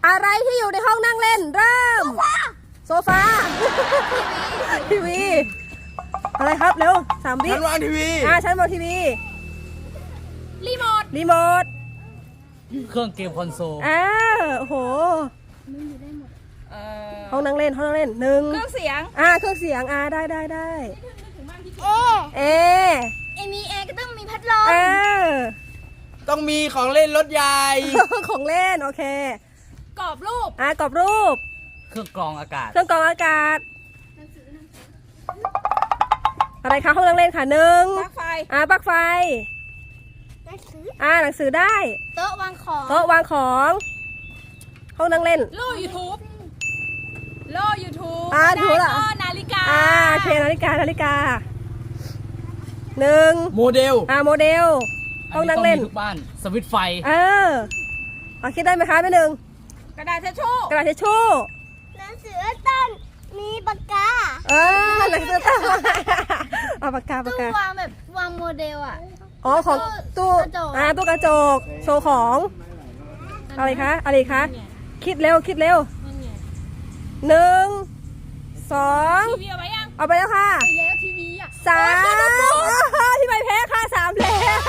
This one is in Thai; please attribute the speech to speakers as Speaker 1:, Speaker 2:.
Speaker 1: อะไรที่อยู่ในห้องนั่งเล่นเริ่มโซฟาทีวีอะไรครับเร็ว3 วิ
Speaker 2: ชั้นวางทีวี
Speaker 1: ชั้นวางทีวี
Speaker 3: รีโมท
Speaker 1: รีโมท
Speaker 4: เครื่องเกมคอนโซล
Speaker 1: โอ้โห
Speaker 3: เอ
Speaker 1: ห้องนั่งเล่น1
Speaker 3: เครื่องเสียง
Speaker 1: เครื่องเสียงได้
Speaker 5: เอ
Speaker 1: เอ
Speaker 5: มีเอก็ต้องมีพัดลม
Speaker 1: เออ
Speaker 2: ต้องมีของเล่นรถใหญ่
Speaker 1: ของเล่นโอเค
Speaker 3: กรอบรูป
Speaker 1: กรอบรูป
Speaker 4: เครื่องกรองอากาศ
Speaker 1: เครื่องกรองอากาศอะไรคะห้องนั่งเล่นค่ะ1
Speaker 3: ปลั๊กไฟ
Speaker 1: ปลั๊กไฟ
Speaker 5: หนังสือ
Speaker 1: หนังสือได้
Speaker 5: โต๊ะวางของ
Speaker 1: โต๊ะวางของห้องนั่งเล่น
Speaker 3: โล่ YouTube โล่ YouTube
Speaker 1: ถูกแล้ว
Speaker 3: ก็นาฬิกา
Speaker 1: โอเคนาฬิกา1
Speaker 2: โมเดล
Speaker 1: โมเดลห้องนั่งเล่น
Speaker 4: ทุกบ้านสวิตช์ไฟ
Speaker 1: คิดได้ไหมคะแม่หนึ่ง
Speaker 3: กระดาษทิชชู่
Speaker 1: กระดาษทิชชู่
Speaker 5: หนังสือต้นมีปากกา
Speaker 1: หนังสือตั้งปากกา
Speaker 5: ตู้วางแบบวางโมเดลอ่ะ
Speaker 1: ของตู้
Speaker 5: กระจก
Speaker 1: ตู้กระจกโชว์ของอะไรคะคิดเร็ว1 2
Speaker 3: ทีวีเอาไว้ยัง
Speaker 1: เอาไปแล้วค่ะ
Speaker 3: ไปแล้วทีวีอ่ะ
Speaker 1: 3 ที่ใบแพ้ค่ะ3 แล้ว